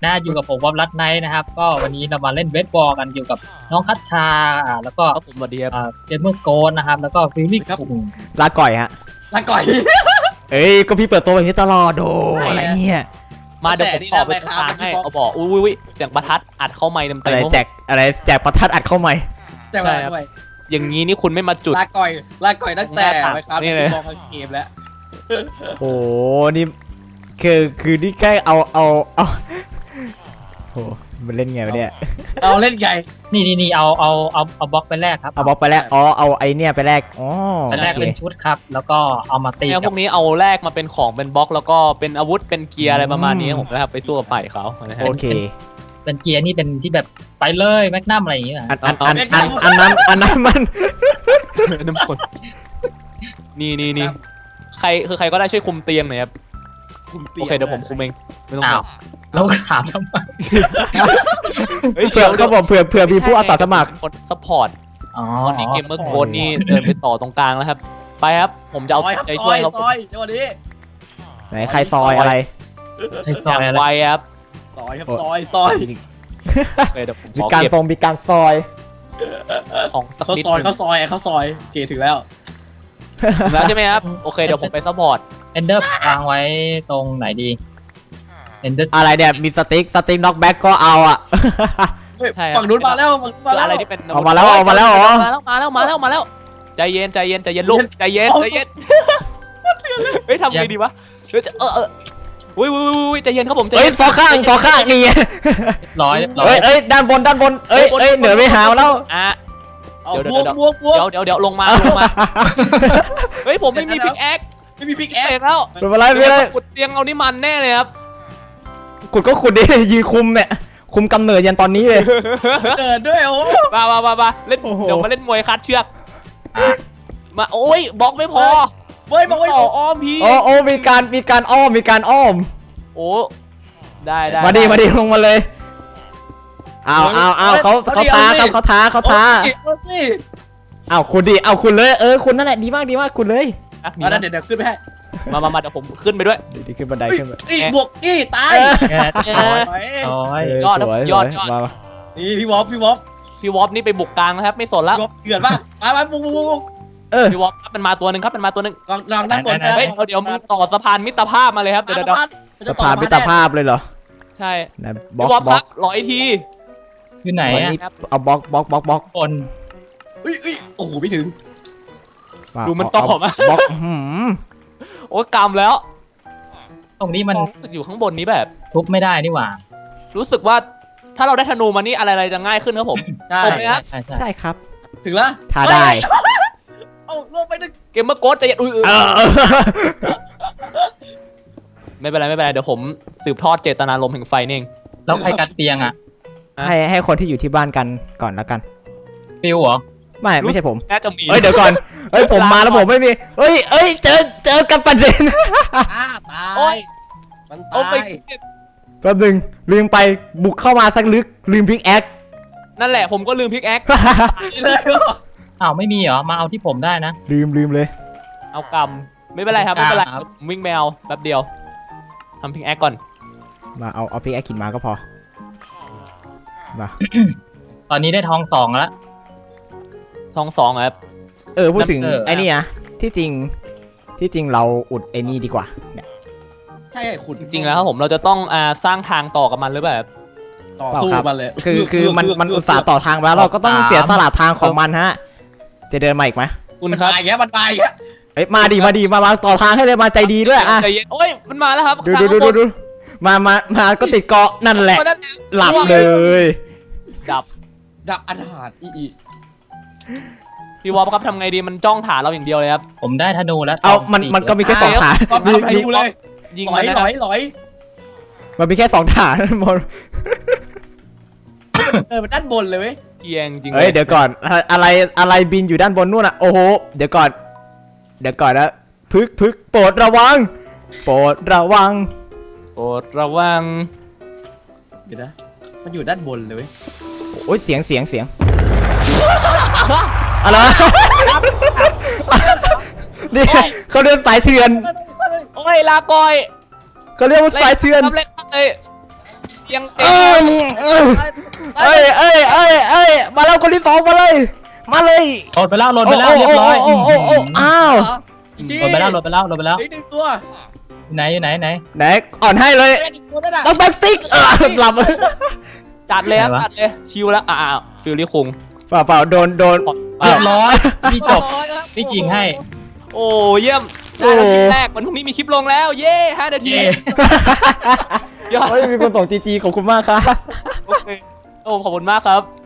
นะอยู่กับผมวอมรัตไนท์นะครับก็วันนี้เรามาเล่นเวทบอลกันอยู่กับน้องคัชชาแล้วก็ผมมาเดียบเจมเมอร์โกนนะครับแล้วก็ฟิลลี่ครับลาก่อยฮะลาก่อยเอ้ยก็พี่เปิดตัวแบบนี้ตลอดโดอะไรเนี่ยมาเดี๋ยวผมตอบไปทางให้เขาบอกอุ้ยเสียงประทัดอัดเข้าไม้เต็มๆอะไรแจกประทัดอัดเข้าไม้แจกอะไรอย่างนี้นี่คุณไม่มาจุดลาก่อยตั้งแต่ไหมครับนี่เลยมองเกมแล้วโอ้นี่คือนี่แค่เอาโหมันเล่นไงวะเนี่ยเอาเล่นไงนี่เอาบล็อกไปแรกครับเอาบล็อกไปแรกเอาไอเนี่ยไปแรกไปแรกเป็นชุดครับแล้วก็เอามาตีพวกนี้เอาแรกมาเป็นของเป็นบล็อกแล้วก็เป็นอาวุธเป็นเกียร์อะไรประมาณนี้ผมนะครับไปสู้กับฝ่ายเขาโอเคเป็นเกียร์นี่เป็นที่แบบไปเลยแมกนัมอะไรอย่างเงี้ยอันนั้นมันน้ำคนนี่ใครก็ได้ช่วยคุมเตียงหน่อยครับโอเคเดี๋ยวผมคุมเองไม่ต้องแล้วถามทำไมเผื่อเขาบอกเผื่อมีผู้อาสาสมัครคนซัพพอร์ตตอนนี้เกมเมอร์โค้ดนี่เดินไปต่อตรงกลางแล้วครับไปครับผมจะเอาใจช่วยเขาซอยเดี๋ยวนี้ไหนใครซอยอะไรซอยอะไรครับซอยครับซอยมีการซอยของเขาซอยเกตถึงแล้วใช่ไหมครับโอเคเดี๋ยวผมไปซัพพอร์ตเอนเดอร์วางไว้ตรงไหนดีอะไรเนี่ยมีสติ๊กน็อกแบ็กก็เอาอ่ะฝั่งนู้นมาแล้วอะไรที่เป็นมาแล้วเหรอมาแล้วใจเย็นลูกใจเย็นเฮ้ยทำไงดีวะอุ้ยใจเย็นครับผมเฮ้ยฟอข้างนี่ร้อยเอ้ยด้านบนเอ้ยเหนือไม่หาวแล้วเดี๋ยวลงมาเฮ้ยผมไม่มีพิกแอคแล้วเป็นอะไรขุดเตียงเอานี่มันแน่เลยครับขุดก็ขุดดิยืนคุมเนี่ยคุมกำเนิดยันตอนนี้เลยเกิดด้วยโอ้มาเล่นเดี๋ยวมาเล่นมวยคัดเชือกมาโอ้ยบล็อกไม่พอบอกไว้อ้อมพี่โอ้มีการอ้อมโอ้ได้มาดิลงมาเลยเอาเขาท้าเอาคุณดิเอาคุณเลยคุณนั่นแหละดีมากคุณเลยเดี๋ยวขึ้นไปให้มาเดี๋ยวผมขึ้นไปด้วยดีขึ้นบันไดขึ้นไปบวกตายยอดนี่พี่วอฟนี่ไปบุกกลางนะครับไม่สนแล้วเกิดป่ะมาบุกพี่วอฟมันมาตัวนึงครับลองนั่งบนเดี๋ยวมึงต่อสะพานมิตรภาพมาเลยครับเดี๋ยวสะพานมิตรภาพเลยเหรอใช่พี่วอฟครับ100 ทีอยู่ไหนเอาบล็อกคนโอ้โหไม่ถึงดูมันต่อมาบล็อกโอ้กำแล้วตรงนี้มันรู้สึกอยู่ข้างบนนี้แบบทุบไม่ได้นี่หว่ารู้สึกว่าถ้าเราได้ธนูมานี่อะไรจะง่ายขึ้นครับผมใช่ครับถึงแล้วท้าได้เอาลงไปดึงเกมเมอร์โกดจะไม่เป็นไรเดี๋ยวผมสืบทอดเจตนารมณ์แห่งไฟนี่เองแล้วใครกัดเตียงอ่ะให้คนที่อยู่ที่บ้านกันก่อนแล้วกันฟิวเหรอไม่ใช่ผมน่าจะมีเดี๋ยวก่อนผมมาแล้วผมไม่มีเจอกันประเด็นตายมันตายแป๊บนึงลืมไปบุกเข้ามาสักลึกลืมพิกแอคนั่นแหละผมก็ลืมพิกแอคไม่มีเหรอมาเอาที่ผมได้นะลืมเลยเอากำไม่เป็นไรครับไม่เป็นไรวิ่งแมวแป๊บเดียวทำพิกแอคก่อนมาเอาพิกแอคขินมาก็พอมาตอนนี้ได้ทอง2แล้วทอง2ครับพูดถึงไอ้นี่นะที่จริงเราอุดไอ้นี่ดีกว่าเนี่ยใช่ขุดจริงแล้วครับผมเราจะต้องสร้างทางต่อกับมันหรือแบบต่อสู้มันเลยคือมันอุตส่าห์ต่อทางแล้วเราก็ต้องเสียสละทางของมันฮะจะเดินมาอีกไหมคุณครับมันไปมาดีมาต่อทางให้เลยมาใจดีด้วยใจเย็นโอ้ยมันมาแล้วครับดูมาก็ติดเกาะนั่นแหละหลับเลยดับอาหารพี่วอลครับทำไงดีมันจ้องฐานเราอย่างเดียวเลยครับผมได้ธนูแล้วมันก็มีแค่2ฐานยิงมันลอยมันมีแค่2ฐานบนมันด้านบนเลยเว้ยเกียงจริงเดี๋ยวก่อนอะไรบินอยู่ด้านบนนู่นโอ้โหเดี๋ยวก่อนนะพึกโปรดระวังเดี๋ยวนะมันอยู่ด้านบนเลยเว้ยโอ้ยเสียงอะไรนี่เขาเรียกสายเถื่อนโอ้ยลาก่อยเขาเรียกว่าสายเถื่อนทำเล็กเลยยังเอ้ยมาแล้วคนที่สองมาเลยมาเลยโหลดไปแล้วเรียบร้อยโอ้อ้าวโหลดไปแล้วอีกหนึ่งตัวไหนไหนไหนอ่อนให้เลยอีกตัวนั่นน่ะต้องแบ็กสติ๊กหลับจัดเลยครับจัดเลยชิวแล้วฟิลลี่คงเปล่าโดนเรียบร้อยพี่จบพี่จริงให้โอ้เยี่ยมได้แล้วคลิปแรกวันพรุ่งนี้มีคลิปลงแล้วเย่5 นาที ยอดมีคนส่งจีขอบคุณมากครับโอเคโอ้ขอบคุณมากครับ